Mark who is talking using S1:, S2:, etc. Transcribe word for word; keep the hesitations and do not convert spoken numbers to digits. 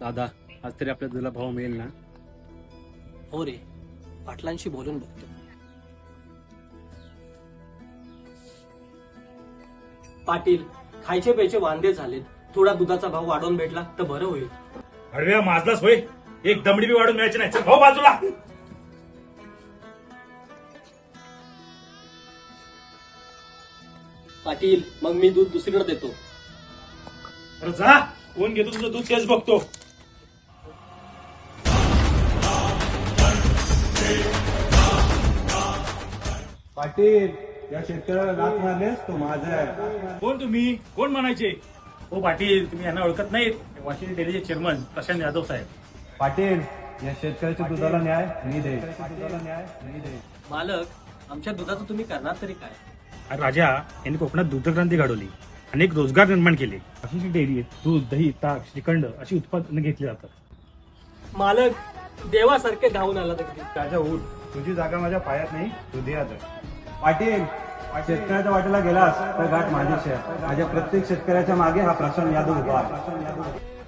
S1: दादा आज तरी आपल्या तुला भाव मिळेल ना?
S2: हो रे, पाटलांशी बोलून बघतो. पाटील, खायचे प्यायचे वांदे झालेत. थोडा दुधाचा भाव वाढवून भेटला तर बरं होईल.
S3: हळव्या माजलाच होय, एक दमडी बी वाढून मिळायची नाही. चल भाऊ बाजूला.
S2: पाटील, मग मी दूध दुसरीकडे देतो.
S3: अरे जा, कोण घेतो तुझं दूध तेच बघतो.
S4: पाटील, या शेतकऱ्याला लाच मारलेस तो माझा आहे.
S3: कोण तुम्ही? कोण म्हणायचे? हो पाटील, तुम्ही यांना ओळखत नाहीत? वाशिम डेअरीचे चेअरमन प्रशांत यादव साहेब.
S4: पाटील, या शेतकऱ्याच्या दुधाला न्याय मी दे. न्याय मी दे.
S2: मालक, आमच्या दुधाचं तुम्ही करणार तरी काय?
S3: अरे राजा यांनी कोकणात दुग्धक्रांती घडवली, अनेक रोजगार निर्माण केले. वाशिम डेअरीत दूध, दही, ताक, श्रीखंड अशी उत्पादनं घेतली जातात.
S2: मालक, देवासारखे धावून आला तर
S4: राजा उठ, तुझी जागा माझ्या पायात नाही, तू दे आता. पाटील, शेतकऱ्याच्या वाटेला गेलास तर गाठ माझीच आहे. माझ्या प्रत्येक शेतकऱ्याच्या मागे हा प्रशांत यादव उभा आहे.